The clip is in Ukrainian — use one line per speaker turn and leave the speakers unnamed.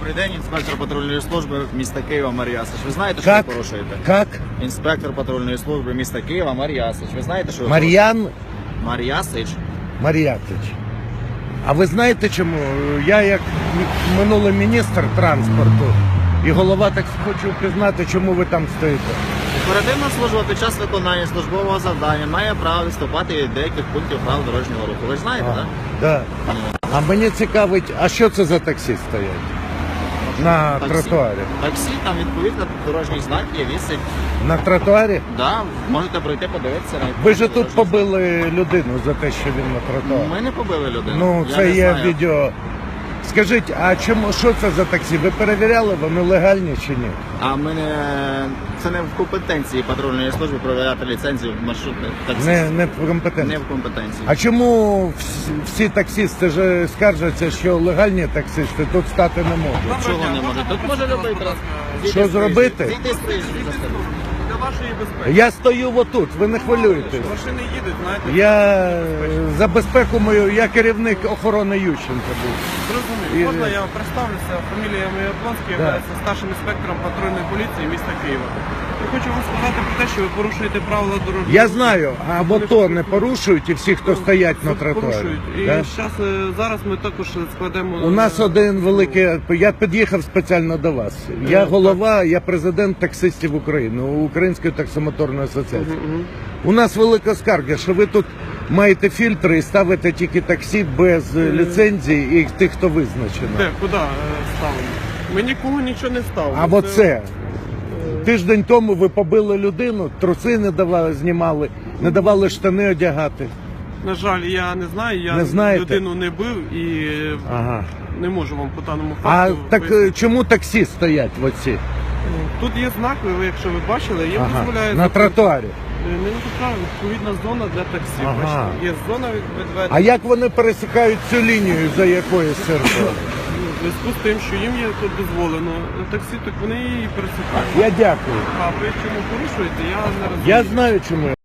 Добрий день, інспектор патрульної служби міста Києва Мар'ясич. Ви знаєте, що ви порушуєте?
Как?
Інспектор патрульної служби міста Києва Мар'ясич. Ви знаєте, що ви
Мар'ян
Мар'ясич?
Мар'ятич. А ви знаєте чому? Я як минулий міністр транспорту і голова, так хочу пізнати, чому ви там стоїте.
Оперативна служба під час виконання службового завдання має право відступати від деяких пунктів правил дорожнього руху. Ви ж знаєте, так?
Да. А мені цікавить, а що це за таксі стоять? На тротуарі.
Таксі, там відповідно дорожній знак є, вісить.
На тротуарі?
Да, можете пройти, подивитися.
Ви ж тут побили людину за те, що він на тротуарі.
Ми не побили людину.
Ну,
Я
це
не
є
знаю.
відео. Скажіть, а чому, що це за таксі? Ви перевіряли, вони легальні чи ні?
А ми не... Це не в компетенції патрульної служби перевіряти ліцензію маршрутних таксистів.
Не в компетенції.
Не в компетенції.
А чому всі таксисти ж скаржаться, що легальні таксисти тут стати не можуть?
Чого не може? Тут може любий транспорт.
Що зробити?
Зійти з проїжджої частини.
Для вашої безпеки.
Я стою отут, ви не хвилюєтесь.
Машини їдуть, знаєте.
Я за безпеку мою, я керівник охорони Ющенка був.
Зрозумів. Можна я представлюся? Фамілія моя Яблонська,
Да.
я старшим інспектором патрульної поліції міста Києва. Я хочу вам сказати про те, що ви порушуєте правила дорожнього
Я
руху.
знаю, а в АТО не порушують і всі, хто стоять на тротуарі.
Порушують. І
Да?
зараз ми також складемо...
У нас один великий, я під'їхав спеціально до вас. Я голова, я президент таксистів України, Української таксомоторної асоціації. У нас велика скарга, що ви тут маєте фільтри і ставите тільки таксі без ліцензії і тих, хто визначено.
Де? Куди ставимо? Ми нікого нічого не ставимо.
А оце. Тиждень тому ви побили людину, труси не давали, знімали, не давали штани одягати.
На жаль, я не знаю, я
Не знаєте?
людину не бив і
Ага.
не можу вам по даному
А
факту
так
пояснити.
чому таксі стоять в оці?
Тут є знак, ви, якщо ви бачили, їм
Ага.
дозволяє...
На тротуарі.
Не направо, відповідна зона для таксі.
Ага.
Бачите, є зона відведена.
А як вони пересікають цю лінію, за якою сервер?
В зв'язку з тим, що їм є тут дозволено таксі, так вони її пересікають.
Я дякую.
А ви чому порушуєте, я не розумію.
Я знаю, чому.